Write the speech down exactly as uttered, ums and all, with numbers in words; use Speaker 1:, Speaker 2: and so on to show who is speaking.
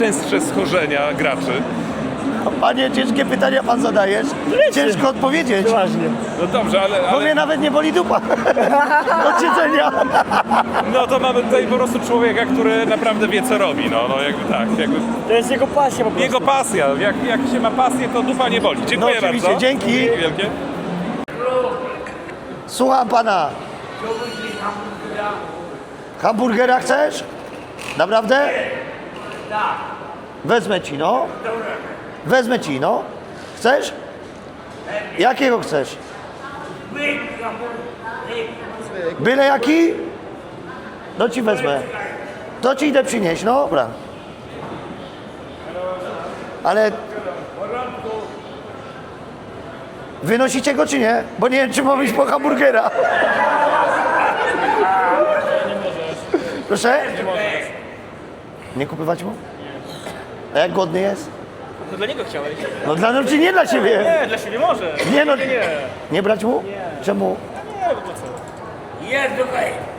Speaker 1: Częstsze schorzenia graczy.
Speaker 2: Panie, ciężkie pytania pan zadajesz. Ciężko odpowiedzieć.
Speaker 3: Poważnie.
Speaker 1: No dobrze, ale,
Speaker 2: Bo mnie
Speaker 1: ale
Speaker 2: nawet nie boli dupa od siedzenia.
Speaker 1: no to mamy tutaj po prostu człowieka, który naprawdę wie co robi. No, no jakby tak, jakby
Speaker 3: To jest jego pasja po prostu.
Speaker 1: jego pasja. Jak, jak się ma pasję, to dupa nie boli. Dziękuję
Speaker 2: No oczywiście,
Speaker 1: bardzo.
Speaker 2: dzięki.
Speaker 1: Dzięki wielkie.
Speaker 2: Słucham pana. Hamburgera chcesz? Naprawdę? Wezmę ci, no. Wezmę ci, no. Chcesz? Jakiego chcesz? Byle jaki? No ci wezmę. To ci idę przynieść, no dobra. Ale... Wynosicie go czy nie? Bo nie wiem, czy mam iść po hamburgera. Proszę? Nie kupywać mu? A jak głodny jest?
Speaker 3: To dla niego chciałeś?
Speaker 2: No dla mnie, czy nie dla ciebie?
Speaker 3: Nie, dla siebie może.
Speaker 2: Nie no,
Speaker 3: Nie, nie.
Speaker 2: nie brać mu? Czemu?
Speaker 3: Nie, bo po co?
Speaker 4: Jest, okej.